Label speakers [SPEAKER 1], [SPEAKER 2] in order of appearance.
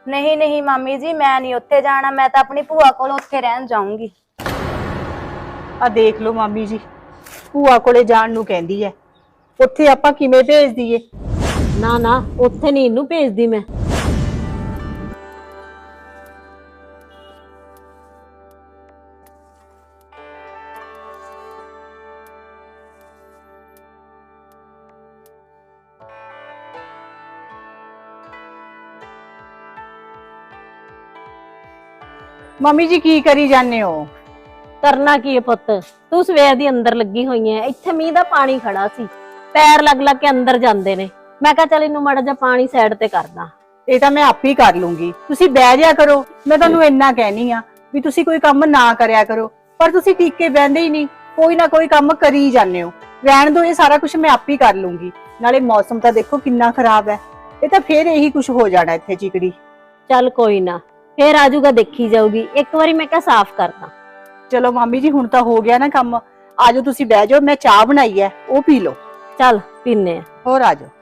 [SPEAKER 1] नहीं नहीं मामी जी, मैं नहीं उत्थे जाना। मैं तो अपनी भूआ कोल उत्थे रहन जाऊंगी।
[SPEAKER 2] ਆ ਦੇਖ ਲਓ ਮਾਮੀ ਜੀ, ਭੂਆ ਕੋਲੇ ਜਾਣ ਨੂੰ ਕਹਿੰਦੀ ਐ। ਉੱਥੇ ਆਪਾਂ ਕਿਵੇਂ ਭੇਜ ਦਈਏ?
[SPEAKER 3] ਨਾ ਨਾ, ਉੱਥੇ ਨਹੀਂ ਇਹਨੂੰ ਭੇਜਦੀ ਮੈਂ।
[SPEAKER 2] ਮੰਮੀ ਜੀ ਕੀ ਕਰੀ ਜਾਂਦੇ ਹੋ?
[SPEAKER 3] ਕਰਨਾ ਕੀ ਹੈ ਪੁੱਤ, ਤੂੰ ਸਵੇਰ ਦੀ ਅੰਦਰ ਲੱਗੀ ਹੋਈ ਐ। ਇੱਥੇ ਮੀਂਹ ਦਾ ਪਾਣੀ ਖੜਾ ਸੀ, ਪੈਰ ਲੱਗ ਲੱਗ ਕੇ ਅੰਦਰ ਜਾਂਦੇ ਨੇ। ਮੈਂ ਕਿਹਾ ਚੱਲ ਇਹਨੂੰ ਮਾੜਾ ਜਿਹਾ ਪਾਣੀ ਸਾਈਡ ਤੇ ਕਰਦਾ।
[SPEAKER 2] ਇਹ ਤਾਂ ਮੈਂ ਆਪ ਹੀ ਕਰ ਲੂੰਗੀ, ਤੁਸੀਂ ਬਹਿ ਜਾ ਕਰੋ। ਮੈਂ ਤੁਹਾਨੂੰ ਇੰਨਾ ਕਹਿਨੀ ਆ ਵੀ ਤੁਸੀਂ ਕੋਈ ਕੰਮ ਨਾ ਕਰਿਆ ਕਰੋ, ਪਰ ਤੁਸੀਂ ਟਿਕ ਕੇ ਬਹਿੰਦੇ ਹੀ ਨਹੀਂ, ਕੋਈ ਨਾ ਕੋਈ ਕੰਮ ਕਰੀ ਜਾਂਦੇ ਹੋ। ਰਹਿਣ ਦਿਓ, ਇਹ ਸਾਰਾ ਕੁਝ ਮੈਂ ਆਪ ਹੀ ਕਰ ਲੂੰਗੀ। ਨਾਲੇ ਮੌਸਮ ਤਾਂ ਦੇਖੋ ਕਿੰਨਾ ਖਰਾਬ ਹੈ, ਇਹ ਤਾਂ ਫੇਰ ਇਹੀ ਕੁਝ ਹੋ ਜਾਣਾ ਇੱਥੇ ਚਿਕੜੀ।
[SPEAKER 3] ਚੱਲ ਕੋਈ ਨਾ, ਫੇਰ ਆਜੂਗਾ, ਦੇਖੀ ਜਾਊਗੀ। ਇੱਕ ਵਾਰੀ ਮੈਂ ਕਿਹਾ ਸਾਫ਼ ਕਰਦਾ।
[SPEAKER 2] ਚਲੋ ਮਾਮੀ ਜੀ, ਹੁਣ ਤਾਂ ਹੋ ਗਿਆ ਨਾ ਕੰਮ। ਆਜੋ ਤੁਸੀਂ ਬਹਿ ਜਾਓ, ਮੈਂ ਚਾਹ ਬਣਾਈ ਹੈ, ਉਹ ਪੀ ਲਓ।
[SPEAKER 3] ਚੱਲ ਪੀਨੇ ਆ।
[SPEAKER 2] ਹੋਰ ਆਜੋ।